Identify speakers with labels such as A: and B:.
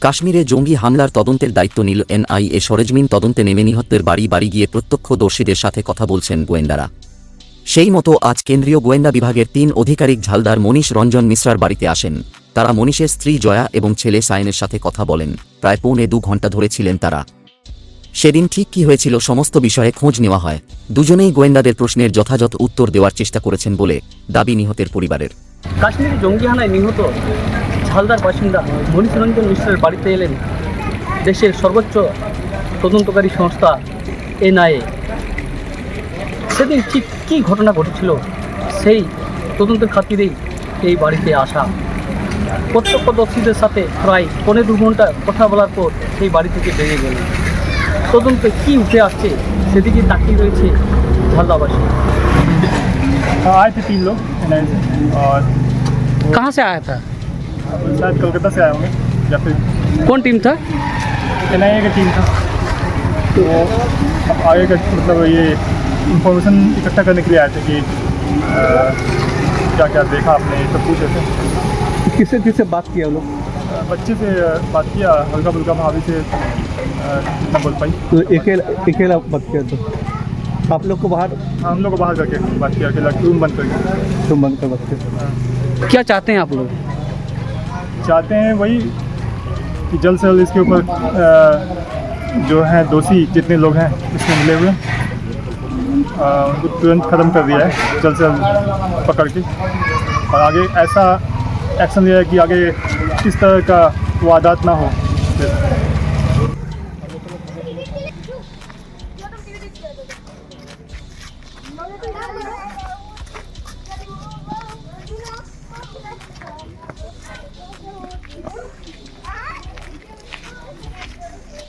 A: কাশ্মীরে জঙ্গি হামলার তদন্তের দায়িত্ব নিল এনআইএ। সরেজমিন তদন্তে নেমে নিহতদের বাড়ি বাড়ি গিয়ে প্রত্যক্ষদর্শীদের সাথে কথা বলছেন গোয়েন্দারা। সেই মতো আজ কেন্দ্রীয় গোয়েন্দা বিভাগের ৩ আধিকারিক ঝালদার মনীষ রঞ্জন মিশ্রার বাড়িতে আসেন। তারা মনীষের স্ত্রী জয়া এবং ছেলে সায়নের সাথে কথা বলেন। প্রায় পৌনে ২ ঘণ্টা ধরে ছিলেন তারা। সেদিন ঠিক কী হয়েছিল সমস্ত বিষয়ে খোঁজ নেওয়া হয়। দুজনেই গোয়েন্দাদের প্রশ্নের যথাযথ উত্তর দেওয়ার চেষ্টা করেছেন বলে দাবি নিহতের পরিবারের।
B: কাশ্মীরি জঙ্গি হানায় নিহত ঝালদার বাসিন্দা মনীষ রঞ্জন মিশ্রের বাড়িতে এলেন দেশের সর্বোচ্চ তদন্তকারী সংস্থা এনআইএ। সেদিন ঠিক কী ঘটনা ঘটেছিল সেই তদন্তের খাতিরেই এই বাড়িতে আসা। প্রত্যক্ষদর্শীদের সাথে প্রায় পৌনে ২ ঘণ্টা কথা বলার পর সেই বাড়ি থেকে বেরিয়ে গেলেন। তদন্তে কী উঠে আসছে সেদিকে তাকিয়ে রয়েছে ঝালদাবাসী।
C: आए थे 3 लोग एनआईए से और
B: कहाँ से आया था?
C: शायद कोलकाता से आए होंगे या फिर
B: कौन टीम था?
C: एनआईए का टीम था। तो अब आगे का मतलब ये इंफॉर्मेशन इकट्ठा करने के लिए आए थे कि क्या क्या देखा आपने, ये सब पूछे थे।
B: किससे किससे बात किया लोग?
C: बच्चे से बात किया, हल्का फुल्का भाभी से न बोल पाई।
B: तो अकेला बात किया तो आप लोग को बाहर
C: हम लोग को बाहर करके बात किया, अकेला रूम बंद करके।
B: तुम बंद कर बात किया। क्या चाहते हैं आप लोग?
C: चाहते हैं वही कि जल्द से जल्द इसके ऊपर जो हैं दोषी जितने लोग हैं इसमें मिले हुए उनको तुरंत ख़त्म कर दिया है, जल्द से जल्द पकड़ के, और आगे ऐसा एक्शन लिया है कि आगे इस तरह का वारदात ना हो।